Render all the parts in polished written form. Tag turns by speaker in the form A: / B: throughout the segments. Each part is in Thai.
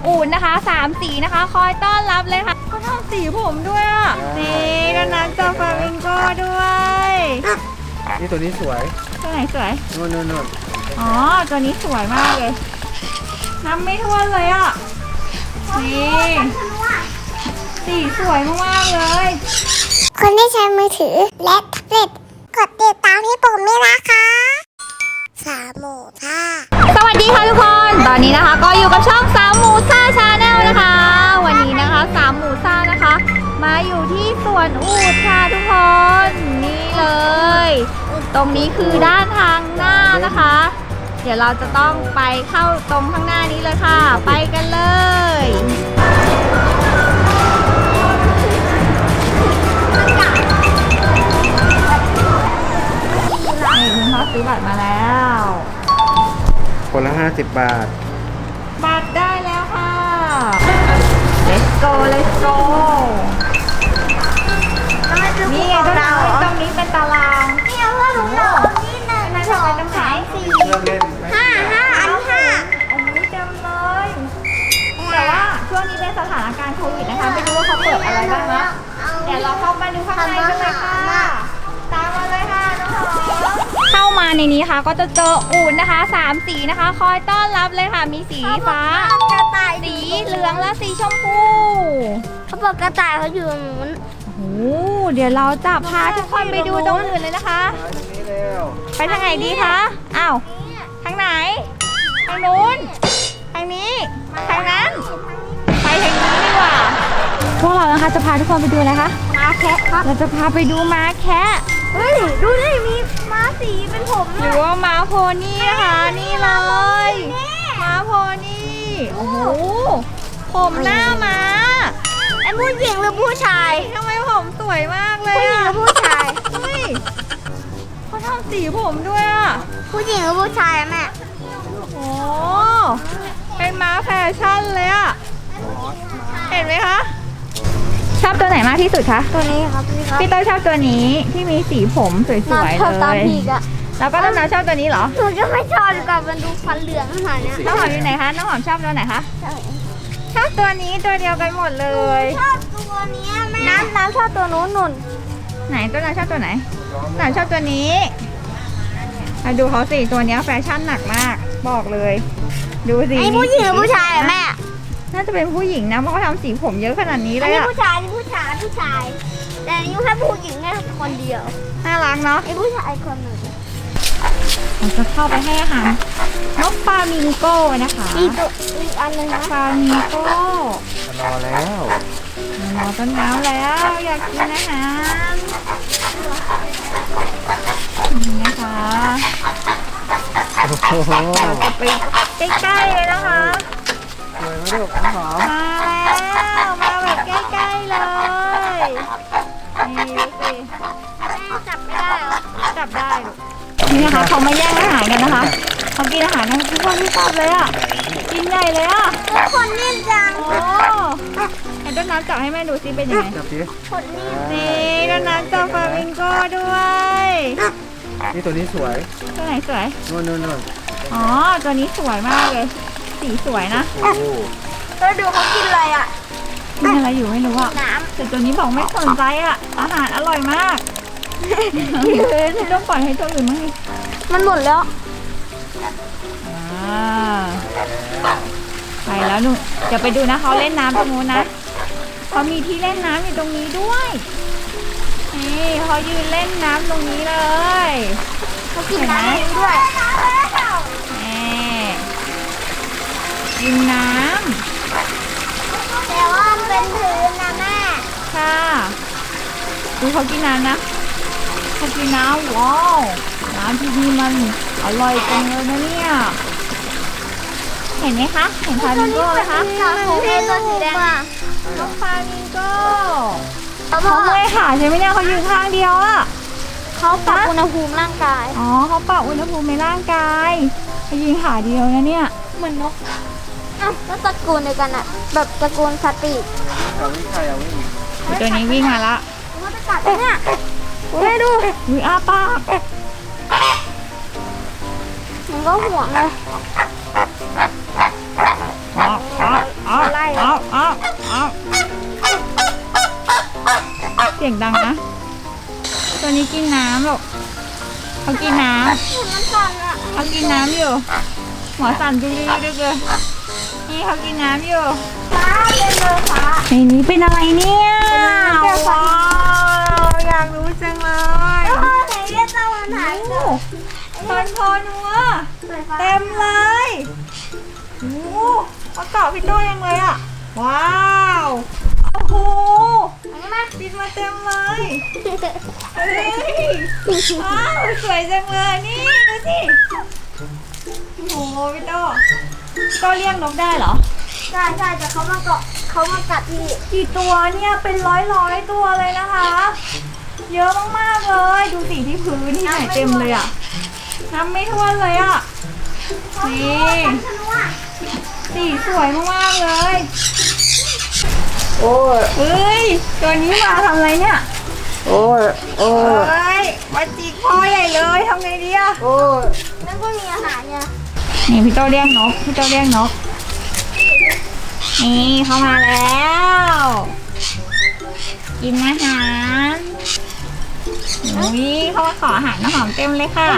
A: อูฐนะคะ3สีนะคะคอยต้อนรับเลยค่ะเขาทำสีผมด้วยอ่ะนี่ก็นักเจอฟลามิงโก้ด้วย
B: นี่ตัวนี้สวย
A: ตัวไหนสวย
B: นู่น
A: อ๋อตัวนี้สวยมากเลยนับไม่ถ้วนเลยอ่ะนี่สีสวยมากๆเลย
C: คนที่ใช้มือถือและแท็บเล็ตกดติดตามให้ผมด้วยนะคะ3 หมู่ท่า
A: สวัสดีค่ะทุกคนตอนนี้นะคะก็อยู่กับช่อง3 หมู่ซ่าชาแนลนะคะวันนี้นะคะ3 หมู่ซ่านะคะมาอยู่ที่สวนอูฐค่ะทุกคนนี่เลยตรงนี้คือด้านทางหน้านะคะเดี๋ยวเราจะต้องไปเข้าตรงข้างหน้านี้เลยค่ะไปกันเลยนี่คุณพ่อซื้อบัตรมาแล้ว
B: คนละ50 บาท
A: บัตรได้แล้วค่ะ let's go let's go นี่ไงตรงนี้เป็นตาราง
C: นี่เอาว่าลุงดอกนี่1 2 3 4 5อันที่5
A: โอ้ยจำเลยแต่ว่าช่วงนี้เป็นสถานการณ์โควิดนะคะไม่รู้ว่าเขาเปิดอะไรบ้างนะเดี๋ยวเราเข้ามาดูข้างในกันเลยค่ะตามมาเลยค่ะน้องๆเข้ามาในนี้ค่ะก็จะเจออูฐนะคะ3สีนะคะคอยต้อนรับเลยค่ะมีสีฟ้ากระต่ายสีเหลืองและสีชมพู
C: เขาบอกกระต่ายเขาอยู่ตรงนู้น
A: โอ้เดี๋ยวเราจะพาทุกคนไปดูตรงอื่นเลยนะคะไปทางไหนดีคะอ้าวทางไหนทางนู้นทางนี้ทางนั้นไปทางนี้ดีกว่าพวกเรานะคะจะพาทุกคนไปดูอะไรคะ
C: ม้าแคะครับ
A: เราจะพาไปดูม้าแคะ
C: เฮ้ยดูดิมีม้าสีเป็นผม
A: หรือว่าม้าโพนี่นะคะนี่เลยม้าโพนี่โอ้โหผมหน้าม้า
C: ไอ้ผู้หญิงหรือผู้ชาย
A: ทำไมผมสวยมากเลย
C: ผู้หญิงหรือผู้ชาย
A: เฮ้ยเขาทำสีผมด้วยอ่ะ
C: ผู้หญิงหรือผู้ชายแม่
A: โอ้เป็นม้าแฟชั่นเลยอ่ะเห็นไหมคะชอบตัวไหนมากที่สุดคะ
C: ตัวนี้ครับ
A: พี่เต้ยชอบตัวนี้ที่มีสีผมสวยๆเลยแล้วก็ต้นน้ำชอบตัวนี้เหรอ
C: หนูจะไม่ชอบดีกว่ามันดูฟันเหลืองขนาดนี้
A: น้องหอมอยู่ไหนคะน้องหอมชอบตัวไหนคะชอบตัวนี้ตัวเดียวกันหมดเลย
C: ชอบตัวนี้แม่น้ำชอบตัวนู้น
A: ไหนต้นน้ำชอบตัวไหนน้ำชอบตัวนี้มาดูเขาสิตัวนี้แฟชั่นหนักมากบอกเลยดูสิ
C: ไอ้ผู้หญิงหรือผู้ชายแม่
A: น่าจะเป็นผู้หญิงนะเพราะเขาทำสีผมเยอะขนาดนี้เลย
C: อะผู้ชายแต่นี่แค่ผู้หญิงแค่คนเดียว
A: น่ารักเนาะ
C: ไอ้ผู้ชายคนหนึ่ง
A: เราจะเข้าไปให้อาหารนกฟลามิงโก้นะคะ
C: อีกอันนึงนะ
A: ฟลามิงโก้
B: รอแล้ว
A: รอต้นน้ำแล้วอยากกินอาหารนี่นะคะเราจะไปใกล้ๆเลยนะคะ
B: สวยไหมลูกน้องหอม
A: มาแล้วมาแบบใกล้ๆเลยนี่ดูสิ
C: จับไม่ได้เหรอ
A: จับได้นี่นะคะเขามาแย่งอาหารกันนะคะเขากินอาหารกันทุกคนที่ชอบเลยอ่ะกินใหญ่เลยอ่ะ
C: คนนิ่มจัง
A: โอ้ให้ต้นน้ำจับให้แม่ดูซิเป็นยังไง
C: คนนิ่ม
A: นี่ต้นน้ำจับฟลามิงโก้ด้วย
B: นี่ตัวนี้สวย
A: ตัวไหนสวย
B: นู่น
A: อ๋อตัวนี้สวยมากเลยสีสวยนะ
C: แล้วดูเขากินอะไรอ่ะ
A: กินอะไรอยู่ไม่รู้อ่ะแต่ตัวนี้บอกไม่สนใจอ่ะอาหารอร่อยมากต้องปล่อยให้ตัวอื่นมั้ง
C: มันหมดแล้ว
A: ไปแล้วหนูจะไปดูนะเขาเล่นน้ำตรงนู้นนะเขามีที่เล่นน้ำอยู่ตรงนี้ด้วยนี่เขายืนเล่นน้ำตรงนี้เลย
C: เขากินน้ำด้วย
A: กินน้
C: ำแต่ว่ามันเป็นพื้นนะแม่
A: ค่ะดูเขากินน้ำนะเขากินน้ำว้าวน้ำที่นี่มันอร่อยจังเลยนะเนี่ยเห็นไหมคะเห็นฟลามิงโก้ไหมคะ
C: ตัวสีแดง
A: น้องฟลามิงโก้เขาเมื่อยขาใช่ไหมเนี่ยเขายืนข้างเดียวอ่ะ
C: เขาปรับอุณหภูมิร่างกาย
A: อ๋อเขาปรับอุณหภูมิในร่างกายเขายืนขาเดียวนะเนี่ย
C: เหมือนนกก็ตระกูลเดียวกันอะแบบตระกูลสติ
A: ตัวนี้วิ่งมาละ
C: มันจะกัดเนี่ย
A: ดูอ้าปาก
C: มันก็ห่วงเลย
A: อ๋อเสียงดังนะ ตัวนี้กินน้ำหรอกเขากินน้ำ
C: มันสั่นอะ
A: เขากินน้ำอยู่ หัวสั่นดึกๆเลยนี่เขากินน้ำอยู่
C: ฟ้าเป็นเลยฟ้า
A: ในนี้เป็นอะไรเนี่ย
C: เป็นน้ำแก้วฟ้า
A: ว้าวอยากรู้จังเลย
C: พ่อไหนเรียกเจ้ามันหาย
A: โอ้คนพอนัว
C: เต็
A: เต็
C: ม
A: มเลยโอ้เขาเกาะพี่โต้ยังเลยอ่ะ ว้าวโอ้โหบินมาเต็มเลยเฮ้ยว้าวสวยจังเลยนี่ดูสิโอ้โหพี่โต้ก็เลี้ยงนกได้เหรอ
C: ใช่แต่เขามาเกาะเขามากัดที่
A: กี่ตัวเนี่ยเป็นร้อยตัวเลยนะคะ เยอะมากๆเลย ดูสิที่พื้นที่ไหนเต็มเลยอ่ะนับไม่ถ้วนเลยอ่ะนี่สีสวยมากๆเลย
B: โอ้ย
A: เฮ้ยตัวนี้มาทำอะไรเนี่ย
B: โอ้ย โอ้
A: เฮ้
B: ย
A: ยมาจิกพ่อใหญ่เลยทำไงดีอ่ะ
B: โอ้ย
C: นั่นก็มีอาหารเนี่ย
A: นี่พี่โตเรียกนกพี่โตเรียกนกนี่เข้ามาแล้วกินอาหารอุ้ยเขามาขออาหารน้ำหอมเต็มเลยค่ะ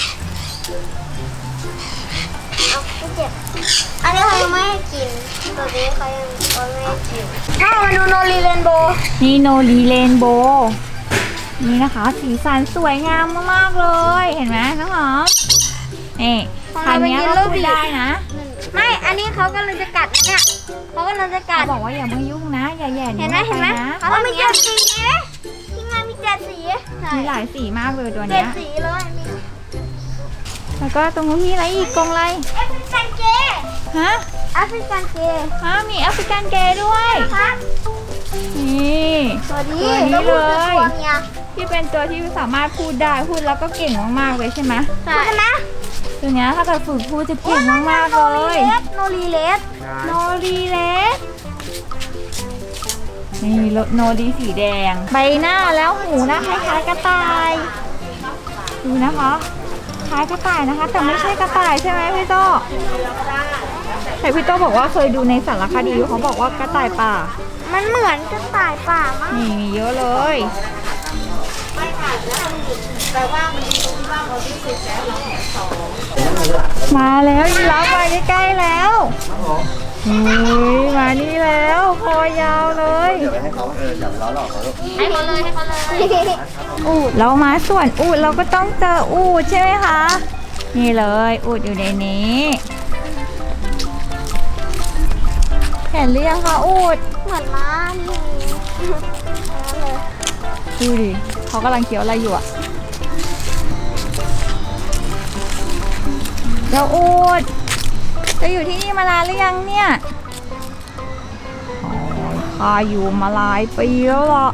C: เอาไม่เจ็บอันนี้เขายังไม่ให้กินตัวนี้เขายังไม่ให้กินพ่อมาดูโนรีเรนโบว์
A: นี่โนรีเรนโบว์นี่นะคะ สีสันสวยงามมากๆเลย เห็นไหมน้องหอมนี่คันนี้เราพูดได้นะ
C: ไม่ อันนี้เขากำลังจะกัดนะเนี่ยเขากำลังจะกั
A: เขา
C: ด
A: บอกว่าอย่ามายุ่งนะอย่าแหย่
C: เห็
A: นิ้
C: น
A: ว
C: ไหม
A: เข้า
C: เห็น
A: ไป
C: ไหม
A: นะ
C: เขามีเจ็ดสีไหมที่งานมีเจ็ดสีใช่
A: มีหลายสีมากเลยตัว
C: เจ็
A: เนี้
C: ด
A: ย
C: สีเลยมี
A: แล้วก็ตรงนู้นมีอะไรอีกกรงอะไร
C: แอฟริกันเกย์
A: ฮะ
C: แอฟริกันเกย์
A: มีแอฟริกันเกย์ด้วย
C: ครับ
A: นี่
C: สวัสดี
A: ตัวนี้เลย
C: ตัวเมีย
A: ที่เป็นตัวที่สามารถพูดได้พูดแล้วก็เก่งมากๆเลยใช่ไหม
C: ใช่ไหม
A: ตัวเนี้ยถ้าเกิดฝึกพูดจะเก่งมากๆเลย
C: โนรีเลส
A: โนรีเลสนี่โนรีสีแดง ใบหน้าแล้วหูนะคล้ายๆกระต่าย ดูนะคะคล้ายกระต่ายนะคะ แต่ไม่ใช่กระต่ายใช่ไหมพี่โตแต่พี่โตบอกว่าเคยดูในสารคดีเขาบอกว่ากระต่ายป่า
C: มันเหมือนกระต่ายป่ามาก
A: นี่มีเยอะเลย มาแล้วยีราฟมาใกล้ๆแล้วเฮ้ยมานี่แล้วคอยาวเลย
B: ให้เขาอย่าล้อหลอกเขาลูก
C: ให้เขาเลย
A: อูดเรามาสวนอูดเราก็ต้องเจออูดใช่ไหมคะ นี่เลยอูดอยู่ในนี้เห็นหรือยังคะอูด
C: เหมือนม้านี่เลย
A: ดูดิเขากำลังเคี้ยวอะไรอยู่อะเจ้าอูดจะอยู่ที่นี่มานานหรือยังเนี่ยข้าอยู่มาหลายปีแล้วล่ะ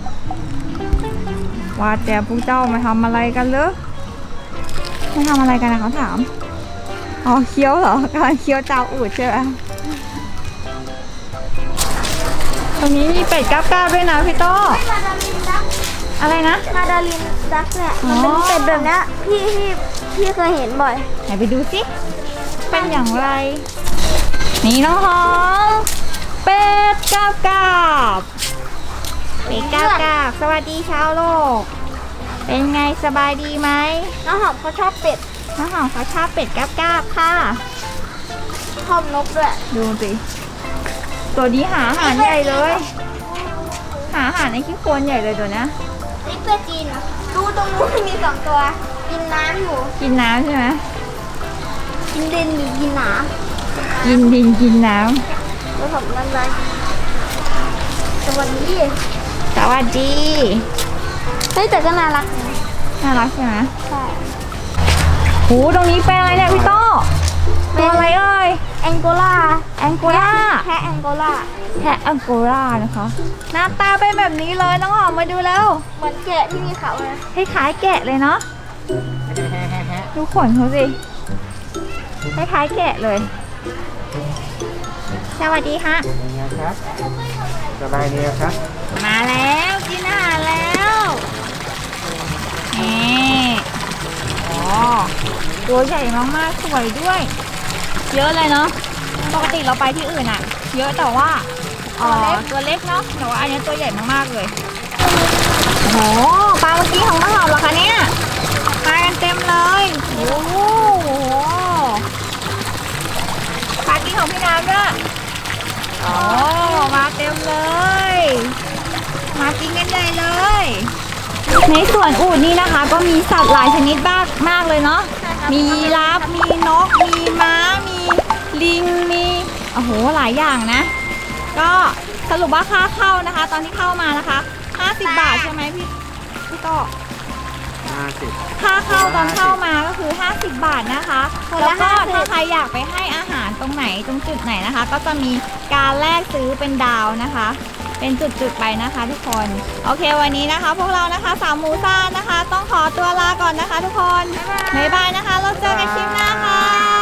A: ว่าแต่พวกเจ้ามาทำอะไรกันเหรอไม่ทำอะไรกันนะเขาถามอ๋อเคี้ยวเหรอกำลังเคี้ยวเจ้าอูดใช่ไหมตรงนี้มีเป็ดก้าวๆด้วยนะพี่โต้
C: มาดาลินดัก
A: อะไรนะ
C: มาดาลินดักเนี่ย
A: อ๋อ
C: มันเป็นเป็ดแบบเนี้ยพี่เคยเห็นบ่อย
A: ไหนไปดูสิเป็นอย่างไร นี่น้องหอมเป็ดก้าวกาบเป็ดก้าวกาบสวัสดีชาวโลก เป็นไงสบายดีไหม
C: น้องหอมเขาชอบเป็ด
A: น้องหอมเขาชอบเป็ดก้าวกาบค่ะ
C: ชอบนกด้วย
A: ดูสิตัวนี้หาอาหารใหญ่เลย หาอาหารในขี้โคลนใหญ่เลยตัวเนี้ย
C: นี่เป็ดจีนดูตรงนู้นมีสองตัว กินน้ำอยู่
A: กินน้ำใช่ไหม
C: กินดินหรือกินหนา
A: กินดินกินน้
C: แล้วผมนั่นเลยสวัสดี
A: ำสวัสดี
C: เฮ้ยแต่ก็น่ารัก
A: น่ารักใช่ไหม
C: ใช่
A: โหตรงนี้เป็นอะไรเนี่ยพี่โต้ตัวอะไรเอ่ย
C: แองโกลา
A: แองโกลา
C: แพะแองโกลา
A: แพะแองโกลานะคะ หน้าตาเป็นแบบนี้เลยน้องหอมมาดูแล้ว
C: เหมือนแกะที่มีเขาเลย
A: คล้ายๆแกะเลยเนาะดูขนเขาสิคล้ายๆแกะเลย สวัสดีค่ะ
B: เป็นไงครับ สบายดีครับ
A: มาแล้วกินอาหารแล้วนี่อ๋อตัวใหญ่มากๆสวยด้วย เยอะเลยเนาะปกติเราไปที่อื่นอะเยอะแต่ว่าตัวเล็กเนาะแต่ว่าอันนี้ตัวใหญ่มากๆเลยโอ้โหปลาเมื่อกี้ของน้องหอมเหรอคะเนี่ยมากันเต็มเลยโอ้โหปลากินของพี่น้ำด้วยโอ้มาเต็มเลยมากินกันใหญ่เลยในสวนอูฐนี่นะคะก็มีสัตว์หลายชนิดมากเลยเนาะมียีราฟมีนกมีม้ามีลิงมีโอ้โหหลายอย่างนะก็สรุปว่าค่าเข้านะคะ ตอนที่เข้ามานะคะ50 บาทใช่ไหมพี่ก็
B: 50
A: ค่าเข้าตอนเข้ามาก็คือ50 บาทนะคะแล้วก็ถ้าใครอยากไปให้อาหารตรงไหนตรงจุดไหนนะคะ ก็จะมีการแลกซื้อเป็นดาวนะคะ เป็นจุดๆไปนะคะทุกคนโอเควันนี้นะคะ พวกเรานะคะสามหมูซ่านะคะ ต้องขอตัวลาก่อนนะคะ ทุกคนบ๊ายบายนะคะเราเจอกันคลิปหน้าค่ะ